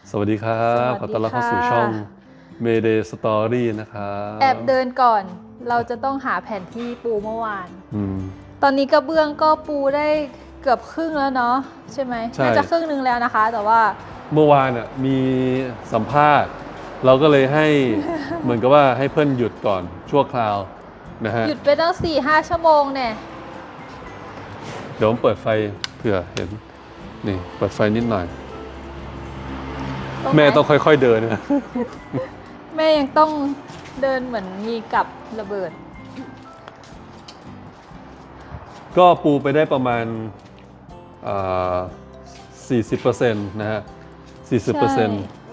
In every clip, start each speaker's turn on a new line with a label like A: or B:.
A: สวัสดีครับขอต้อนรับเข้าสู่ช่อง Mayday Story นะครับ
B: แอบเดินก่อนเราจะต้องหาแผนที่ปูเมื่อวาน
A: ม
B: ตอนนี้กระเบื้องก็ปูได้เกือบครึ่งแล้วเนาะใช่ไหมน่าจะครึ่งนึงแล้วนะคะแต่ว่า
A: เมื่อวานมีสัมภาษณ์เราก็เลยให้ เหมือนกับว่าให้เพื่อนหยุดก่อนชั่วคราวนะฮะ
B: หยุดไปตั้ง 4-5 ชั่วโมงเนี่ย
A: เดี๋ยวผมเปิดไฟเผื่อเห็นนี่เปิดไฟนิดหน่อยแม่ต้องค่อยๆเดินนะ
B: แม่ยังต้องเดินเหมือนมีกับระเบิด
A: ก็ปูไปได้ประมาณ40%นะฮะ 40%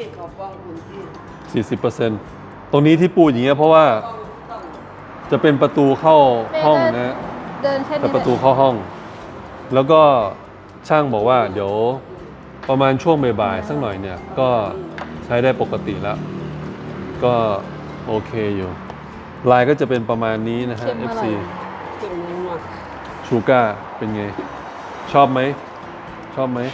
A: 40%ตรงนี้ที่ปูอย่างเงี้ยเพราะว่าจะเป็นประตูเข้าห้องนะฮะ
B: เดินแค่
A: แต่
B: นี้
A: ประตูเข้าห้อง แล้วก็ช่างบอกว่าเดี๋ยวประมาณช่วงบ่ายๆสักหน่อยเนี่ยก็ใช้ได้ปกติแล้ว ก็โอเคอยู่ลายก็จะเป็นประมาณนี้นะฮะ FC ชูก้าเป็นไง ชอบไหมชอบไหม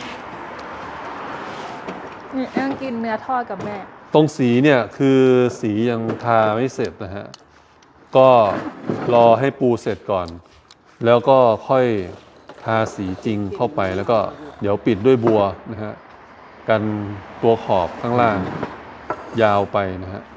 B: นี่นั่งกินเนื้อทอดกับแม่
A: ตรงสีเนี่ยคือสียังทาไม่เสร็จนะฮะก็รอให้ปูเสร็จก่อน แล้วก็ค่อยทาสีจริงเข้าไปแล้วก็เดี๋ยวปิดด้วยบัวนะฮะกันตัวขอบข้างล่างยาวไปนะฮะ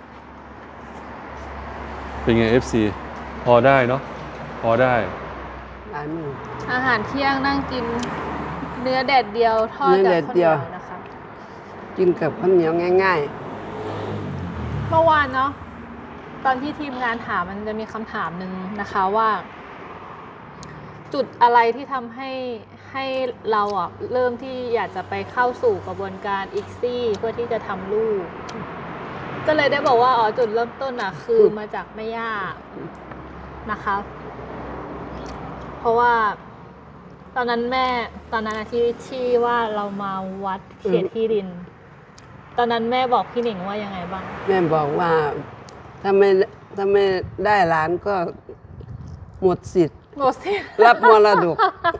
A: เป็นไง FC พอได้เนาะพอได้
B: อาหารเที่ยงนั่งกินเนื้อแดดเดียวทอดกับข้าวเหนียวนะคะ
C: กินกับข้าวเหนียวง่าย
B: เมื่อวานเนาะตอนที่ทีมงานถามมันจะมีคำถามหนึ่งนะคะว่า จุดอะไรที่ทำให้เราเริ่มที่อยากจะไปเข้าสู่กระบวนการอีกซี่เพื่อที่จะทำลูก ก็เลยได้บอกว่าจุดเริ่มต้นคือมาจากแม่ย่านะคะ เพราะว่าตอนนั้นที่ว่าเรามาวัดเขตที่ดิน ตอนนั้นแม่บอกพี่หนิงว่ายังไงบ้าง
C: ๆ แม่บอกว่าถ้าไม่ได้หลานก็หมดสิทธิ์
B: หมดสิ
C: รับมรดก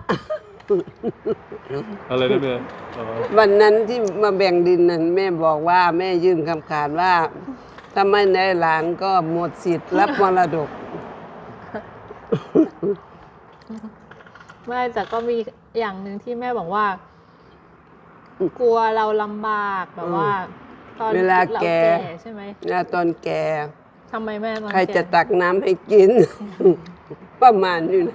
A: อะไรนะแม่อ๋อ
C: วันนั้นที่มาแบ่งดินนั้นแม่บอกว่าแม่ยื่นคำขาดว่า ถ้าไม่ได้หลานก็หมดสิทธิ์รับมรดก
B: ไม่แต่ก็มีอย่างหนึ่งที่แม่บอกว่า กลัวเราลำบากแบบว่า ตอน
C: เวลา
B: เรา
C: แก่
B: ใช่ไหม
C: แล้วตอนแก่
B: ทำไมแม่ตอน
C: ใครจะ
B: แก่
C: ตักน้ำให้กิน ประมาณนี้นะ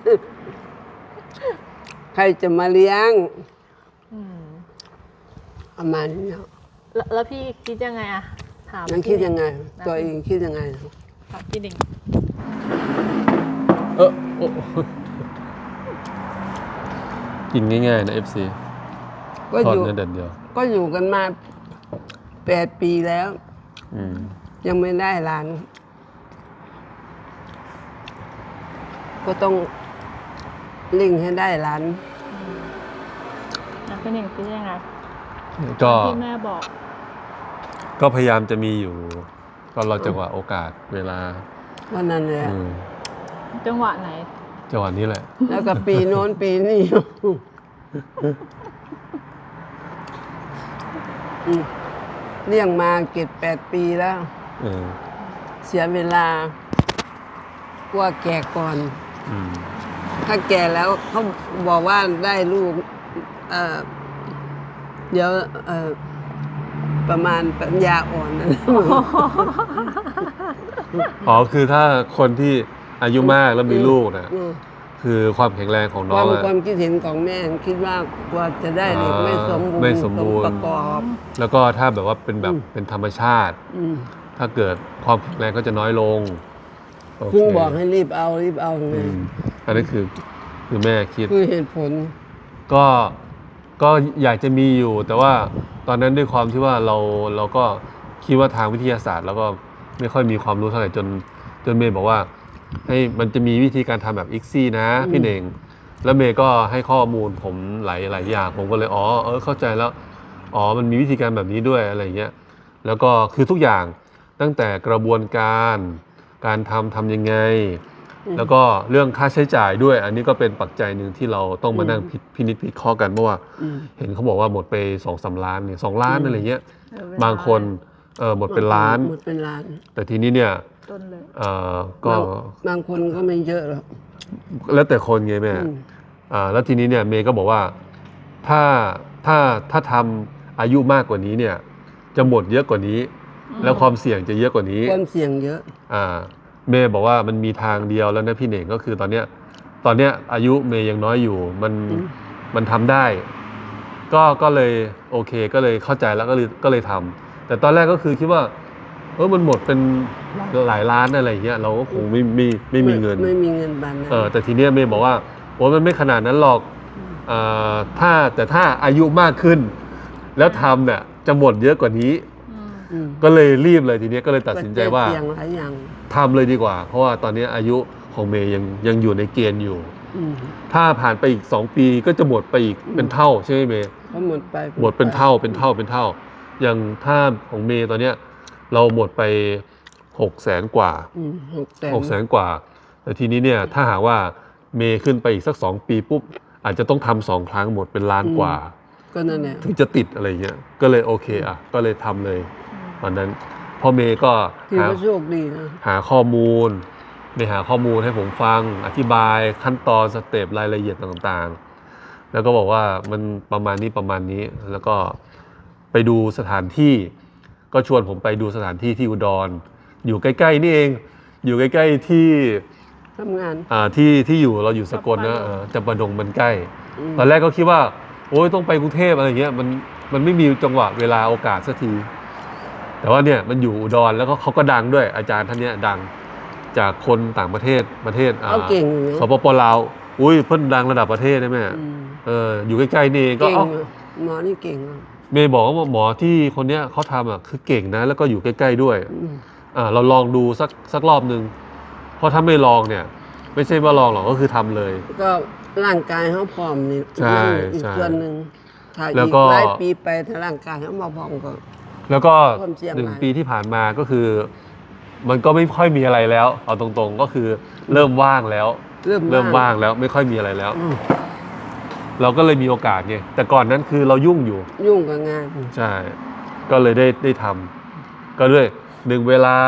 C: ใครจะมาเลี้ยง
B: อืม
C: ประมาณนี้นะ
B: แล้วพี่คิดยังไงถาม
C: นั้นคิดยังไง
B: นะ
C: ตัวเองคิดยังไง
B: ถามพี่หนิง
A: โอ้กินง่ายๆนะ FC
C: ก็
A: ทอ
C: อ
A: ด
C: ยู่
A: เนื้อแดดเดียว
C: ก็อยู่กันมา8 ปีแล้ว
A: อืม
C: ยังไม่ได้หลาน ก็ต้องเร่งให้ได้หลาน
B: พี่หนิงคิดยังไง
A: ก็
B: ที่แม่บอก
A: ก็พยายามจะมีอยู่ ก็รอจังหวะโอกาสเวลา
C: วันนั้นเลย
A: อืม
B: จังหวะไหน
A: จังหวะนี้แหละ
C: แล้วก็ปีโน้นปีนี้เลี้ยงมา7-8 ปีแล้ว
A: เออ
C: เสียเวลากลัวแก่ก่อน
A: อืม
C: ถ้าแก่แล้วเขาบอกว่าได้ลูกเดี๋ยวประมาณปัญญาอ่อนนะ
A: อ๋อคือถ้าคนที่อายุมากแล้วมีลูกนะ
C: อืม
A: คือความแข็งแรงของ
C: ค
A: น้อ
C: วาง ม
A: อะ
C: ความคิดเห็นของแม่คิดว่ากว่าจะได้เด็กไม่สมบูรณ์
A: ไม่สมบูรณ์
C: ประกอบ
A: แล้วก็ถ้าแบบว่าเป็นแบบเป็นธรรมชาติ
C: อืม
A: ถ้าเกิดความแข็งแรงก็จะน้อยลงโอเค
C: เพิ่งบอกให้รีบเอาไง
A: อืมอันนี้คือแม่คิด
C: คือเหตุผล
A: ก็อยากจะมีอยู่ แต่ว่าตอนนั้นด้วยความที่ว่าเราก็คิดว่าทางวิทยาศาสตร์ แล้วก็ไม่ค่อยมีความรู้เท่าไหร่จนเมย์บอกว่าให้มันจะมีวิธีการทำแบบอีกซี่นะพี่เน่งแล้วเมย์ก็ให้ข้อมูลผมหลายอย่างผมก็เลยเข้าใจแล้วมันมีวิธีการแบบนี้ด้วยอะไรเงี้ยแล้วก็คือทุกอย่างตั้งแต่กระบวนการทำยังไงแล้วก็เรื่องค่าใช้จ่ายด้วย อันนี้ก็เป็นปัจจัยหนึ่งที่เราต้องมานั่งพินิจพิเคราะห์กันเพราะว่าเห็นเขาบอกว่าหมดไป2-3 ล้านเนี่ย2 ล้านอะไรเงี้ยบางคนหมดเป็นล้าน
C: หมดเป็นล้าน
A: แต่ทีนี้เนี่ย
B: ต้นเลย
A: ก็
C: บางคนก็ไม่เยอะหรอก
A: แล้วแต่คนไงแม่แล้วทีนี้เนี่ยเมย์ก็บอกว่าถ้าทำอายุมากกว่านี้เนี่ยจะหมดเยอะกว่านี้แล้วความเสี่ยงจะเยอะกว่านี้
C: ความเสี่ยงเยอะ
A: เมย์บอกว่ามันมีทางเดียวแล้วนะพี่เหน่งก็คือตอนเนี้ยอายุเมย์ยังน้อยอยู่มันทำได้ก็เลยโอเคก็เลยเข้าใจแล้วก็เลยทำแต่ตอนแรกก็คือคิดว่ามันหมดเป็นหลายล้านอะไรอย่างเงี้ยเราก็คงไม่มีเงิน
C: ไม่มีเงินบานนั้น
A: แต่ทีเนี้ยเมย์บอกว่ามันไม่ขนาดนั้นหรอกแต่ถ้าอายุมากขึ้นแล้วทำเนี่ยจะหมดเยอะกว่านี้ก็เลยรีบเลยทีนี้ก็เลยตัดสินใจว่าทำเลยดีกว่าเพราะว่าตอนนี้อายุของเมย์ยังอยู่ในเกณฑ์อยู่ถ้าผ่านไปอีก2 ปีก็จะหมดไปอีกเป็นเท่าใช่ไหมเมย์
C: หมด
A: เป็นเท่าอย่างถ้าของเมย์ตอนเนี้ยเราหมดไป600,000 กว่า600,000 กว่าแต่ทีนี้เนี่ยถ้าหากว่าเมย์ขึ้นไปอีกสัก2 ปีปุ๊บอาจจะต้องทำ2 ครั้งหมดเป็นล้านกว่า
C: ก็นั่นแหละ
A: ถึงจะติดอะไรเงี้ยก็เลยโอเคก็เลยทำเลยวันนั้นพ่อเมย์ก็
C: โชคดีนะ
A: หาข้อมูลให้ผมฟังอธิบายขั้นตอนสเต็ปรายละเอียดต่างๆแล้วก็บอกว่ามันประมาณนี้แล้วก็ไปดูสถานที่ก็ชวนผมไปดูสถานที่ที่อุดรอยู่ใกล้ๆนี่เองอยู่ใกล้ๆที่
C: ทำงาน
A: ที่อยู่เราอยู่สกลนะจำปาดงมันใกล้ตอนแรกก็คิดว่าโอ้ยต้องไปกรุงเทพอะไรเงี้ยมันไม่มีจังหวะเวลาโอกาสสักทีแต่ว่าเนี่ยมันอยู่อุดรแล้วก็เขาก็ดังด้วยอาจารย์ท่านเนี้ยดังจากคนต่างประเทศสปป.ลาวอุ้ยเพิ่นดังระดับประเทศได้ไหมอยู่ใกล้ๆนี่ก็
C: หมอนี่เก่ง
A: เมย์บอกว่าหมอที่คนเนี้ยเขาทำคือเก่งนะแล้วก็อยู่ใกล้ๆด้วยเราลองดูสักรอบนึงเพราะถ้าไม่ลองเนี่ยไม่ใช่ว่าลองหรอกก็คือทำเลย
C: ก็ร่างกายเขาพร้อมนี่อีกส่วนหนึ่งถ้าอีกหลายปีไปถ้าร่างกายเขามาพร้อมก็
A: แล้วก็1 ปีที่ผ่านมาก็คือมันก็ไม่ค่อยมีอะไรแล้วเอาตรงๆก็คือเริ่มว่างแล้วไม่ค่อยมีอะไรแล้วเราก็เลยมีโอกาสไงแต่ก่อนนั้นคือเรายุ่ง
C: กับงาน
A: ใช่ก็เลยได้ทำก็ด้วย1 เวลา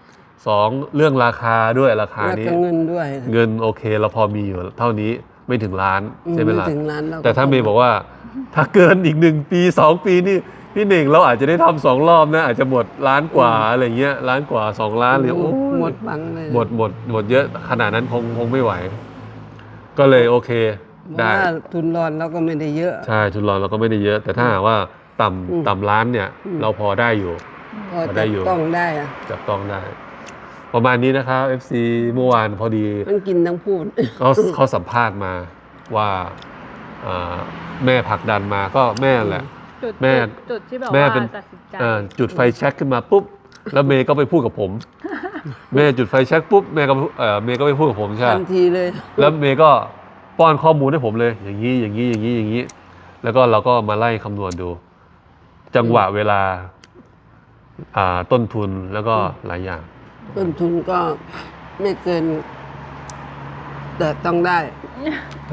A: 2เรื่องราคาด้วยราคานี้
C: เงินด้วย
A: เงินโอเคเราพอมีอยู่เท่านี้ไม่ถึงล้านใช่ไหมล่ะแต่ถ้าเมย์บอกว่าถ้าเกินอีก1 ปี2 ปีนี่พี่เน่งเราอาจจะได้ทำ2 รอบนะอาจจะหมดล้านกว่าอะไรเงี้ยล้านกว่า2 ล้านเลย
C: หมดบังเลย
A: หมดเยอะขนาดนั้นคงไม่ไหวก็เลยโอเคได้
C: ทุนรอนเราก็ไม่ได้เยอะ
A: ใช่ทุนรอนเราก็ไม่ได้เยอะแต่ถ้าหากว่าต่ำล้านเนี่ยเราพอได้อยู่
C: พอได้อยู่ต้องได้
A: จับต้องได้ประมาณนี้นะครับ FC เมื่อวานพอดี
C: ทั้งกินทั้งพูด
A: เขาสัมภาษณ์มาว่าแม่ผลักดันมาก็แม่แหละ
B: แม่จุดที่แบบว่าตัดสินใจ
A: จุดไฟแช็กขึ้นมาปุ๊บแล้วเมย์ก็ไปพูดกับผมแม่จุดไฟแช็กปุ๊บเมย์ก็ไปพูดกับผมใช่
C: ทันทีเลย
A: แล้วเมย์ก็ป้อนข้อมูลให้ผมเลยอย่างนี้แล้วก็เราก็มาไล่คำนวณดูจังหวะเวลาต้นทุนแล้วก็หลายอย่าง
C: ต้นทุนก็ไม่เกินแต่ต้องได้
A: เ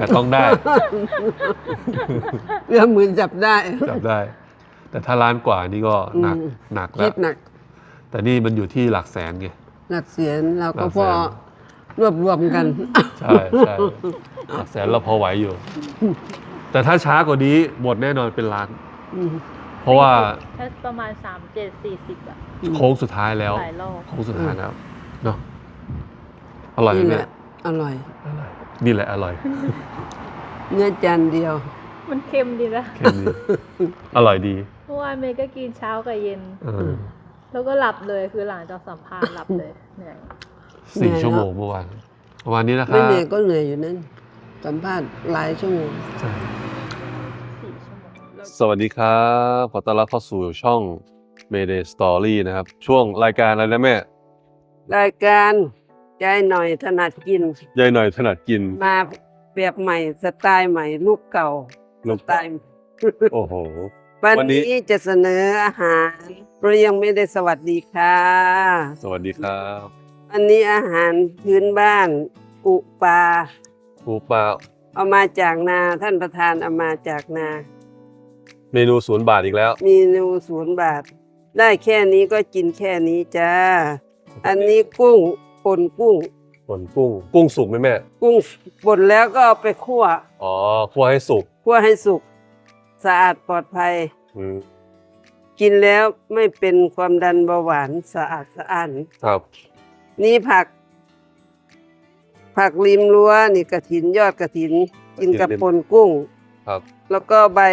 C: รื่องมือจับได้
A: แต่ถ้าล้านกว่านี่ก็หนักแล้วแต่นี่มันอยู่ที่หลักแสนไง
C: หลักแสนเราก็พอรวมกัน
A: ใช่หลักแสนเราพอไหวอยู่แต่ถ้าช้ากว่านี้หมดแน่นอนเป็นล้านเพราะว่า
B: ประมาณ37-40อ่ะ
A: โค้งสุดท้ายแล้วโค้งสุดท้ายแล้วเนาะอร่อยไหม
C: อร่อย
A: นี่แหละอร่อย
C: เนื้อจานเดียว
B: มันเค็มดีนะ
A: เค็มดีอร่อยดี
B: เมื่อวานเมย์ก็กินเช้ากับเย็นแล้วก็หลับเลยคือหลังจากสัมภาษณ์หลับเลยเหนื่อย
A: 4 ชั่วโมงเมื่อวานวันนี้นะครับ
C: ไม่เหนื่อยก็เหนื่อยอยู่นั่นสัมภาษณ์หลายชั่วโมง
A: สวัสดีครับขอต้อนรับเข้าสู่ช่อง Mayday Story นะครับช่วงรายการอะไรนะแม่
C: รายการยายหน่อยถนัดกินมาแบบใหม่สไตล์ใหม่ลูกเก่าสไตล์
A: โอ้โห
C: วันนี้จะเสนออาหารเรายังไม่ได้สวัสดีค่ะ
A: สวัสดีครับ
C: วันนี้อาหารพื้นบ้านอุปลา
A: ปูปลา
C: เอามาจากนาท่านประธานเอามาจากนา
A: เมนู0 บาทอีกแล้ว
C: มีนู0 บาท ได้แค่นี้ก็กินแค่นี้จ้า อันนี้กุ้งป่นกุ้ง
A: ส่วนกุ้งสุกไหมแม่
C: กุ้งป่นแล้วก็เอาไปคั่ว
A: อ๋อคั่วให้สุก
C: คั่วให้สุก สะอาดปลอดภัย
A: อืม
C: กินแล้วไม่เป็นความดันเบาหวานสะอาดสะอ้าน
A: ครับ
C: นี่ผักริมรั้วนี่กระถินยอดกระถิน กินกับป่นกุ้ง
A: ครับ
C: แล้วก็ใบ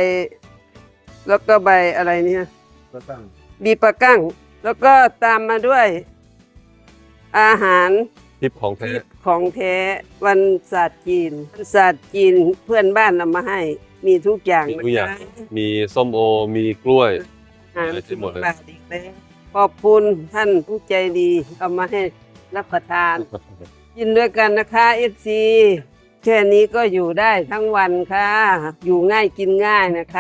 C: อะไรเนี่ยบีปะกั้ง แล้วก็ตามมาด้วย อาหาร
A: ทิปของแท้
C: ทิพย์ของแท้วันศาสตร์จีนศาสตร์จีนเพื่อนบ้านนำมาให้ มีทุกอย่าง
A: มีทุกอย่าง
C: นะคะ
A: มีส้มโอ มีกล้วย
C: อาหาร
A: อะไรที่หมดเลย
C: บาทอีกแล้วขอบคุณท่านผู้ใจดีเอามาให้รับประทาน กินด้วยกันนะคะเอฟซีแค่นี้ก็อยู่ได้ทั้งวันค่ะ อยู่ง่ายกินง่ายนะคะ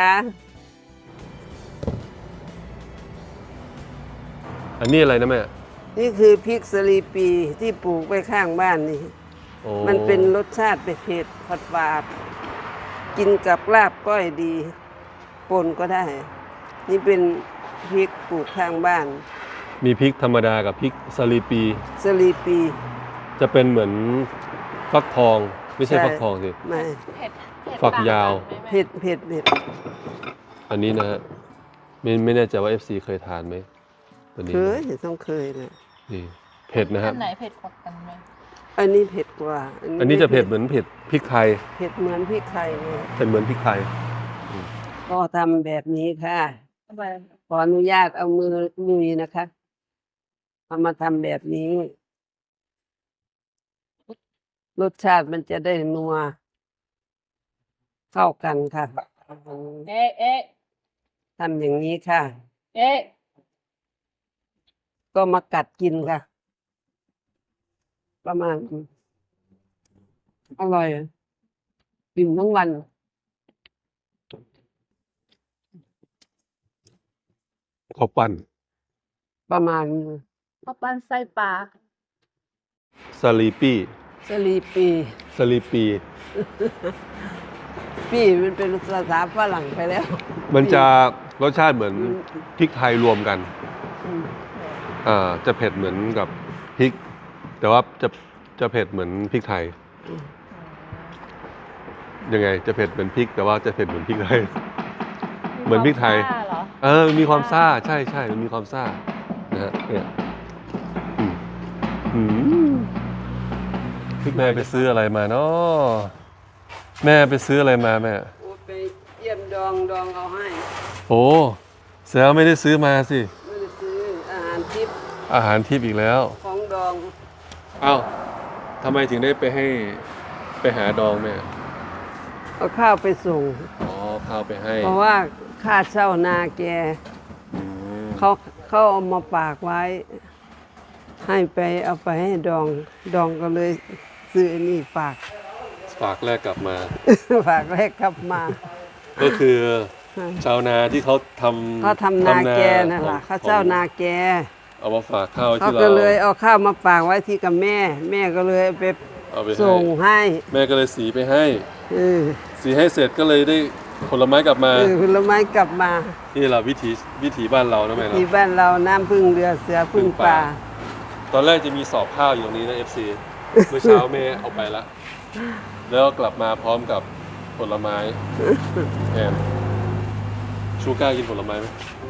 A: อันนี้อะไรนะแม่
C: นี่คือพริกสลีปีที่ปลูกไว้ข้างบ้านนี่
A: โอ้
C: มันเป็นรสชาติเผ็ดๆฝาดๆกินกับลาบก้อยดีป่นก็ได้ นี่เป็นพริกปลูกข้างบ้าน
A: มีพริกธรรมดากับพริกสลีปี
C: สลีปี
A: จะเป็นเหมือนฟักทอง ไม่ใช่
C: ใช่
A: ฟักทองสิ
C: ไม่
B: เผ็ด
A: ฝักยาว
B: ต่งกันไหมแม่
C: เผ็ดเผ็ดเผ็ด
A: อันนี้นะฮะไม่แน่ใจว่า FC เคยทานไหมตัวนี้
C: เคยต้องเคยเลย
A: นี่เผ็ดนะฮะ
B: อันไหนเผ็ดกว่ากันไหม
C: อันนี้เผ็ดกว่า
A: อันนี้จะเผ็ดเหมือนเผ็ดพริกไทย
C: เผ็ดเหมือนพริกไทยเลย
A: เผ็ดเหมือนพริกไทย
C: ก็ทำแบบนี้ค่ะ ขออนุญาตเอามือลุยนะคะเอามาทำแบบนี้ รสชาติมันจะได้นัวเข้ากันค่ะ
B: เอ๊ะเอ๊ะ
C: ทำอย่างนี้ค่ะ
B: เอ๊ะ
C: ก็มากัดกินค่ะ ประมาณอร่อยกินทั้งวัน
A: ข้าวปั้น
C: ประมาณ
B: ข้าวปั้นไส้ปลา
A: สลีปี้
C: สลีปี
A: สลีปี
C: ปีมันเป็นภาษาฝรั่งไปแล้ว
A: มันจะรสชาติเหมือนพริกไทยรวมกัน
C: อืม
A: จะเผ็ดเหมือนกับพริก แต่ว่าจะเผ็ดเหมือนพริกไทย ยังไงจะเผ็ดเหมือนพริก แต่ว่าจะเผ็ดเหมือนพริกไทย เหมือนพริกไทย
B: ซ่าเหรอ
A: มันมีความซ่าใช่มันมีความซ่านะฮะเนี่ยอืมอืมแม่ไปซื้ออะไรมาเนาะแม่ไปซื้ออะไรมาแม่
C: โอ้ไปเยี่ยมดองเอาให้
A: โอ้แสดงว่าไม่ได้ซื้อมาสิ
C: ไม่ได้ซื้ออาหารทิพย์
A: อาหารทิพย์อีกแล้ว
C: ของดอง
A: เอ้าทำไมถึงได้ไปหาดองแม่
C: เอาข้าวไปส่ง
A: อ๋อข้าวไปให้
C: เพราะว่าค่าเช่านาแก
A: อืม
C: เขาเอามาฝากไว้ ให้ไปเอาไปให้ดองก็เลยซื้ออันนี่ฝาก
A: ฝากแรกกลับมา
C: ฝากแรกกลับมา
A: ก็คือชาวนาที่เขาทำ
C: เขาทำนาแกนั่นแหละ
A: ของ
C: เขาเจ้านาแก
A: เอามาฝากข้าว
C: เขา
A: ที่เรา
C: ก็เลยเอาข้าวมาฝากไว้ที่กับแม่ แม่ก็เลยไป
A: เอาไป
C: ส่งให้
A: แม่ก็เลยสีไปให้
C: เออ
A: สีให้เสร็จก็เลยได้ผลไม้กลับมา
C: ผลไม้กลับมา
A: นี่แหละวิถีบ้านเรานะแม่
C: ที่
A: เนาะ
C: บ้านเราน้ำพึ่งเรือเสือพึ่งป่า
A: ตอนแรกจะมีสอบข้าวอยู่ตรงนี้นะ FC เมื่อเช้าแม่เอาไปละแล้วกลับมาพร้อมกับผลไม้แทนชูก้ากินผลไม้ไหม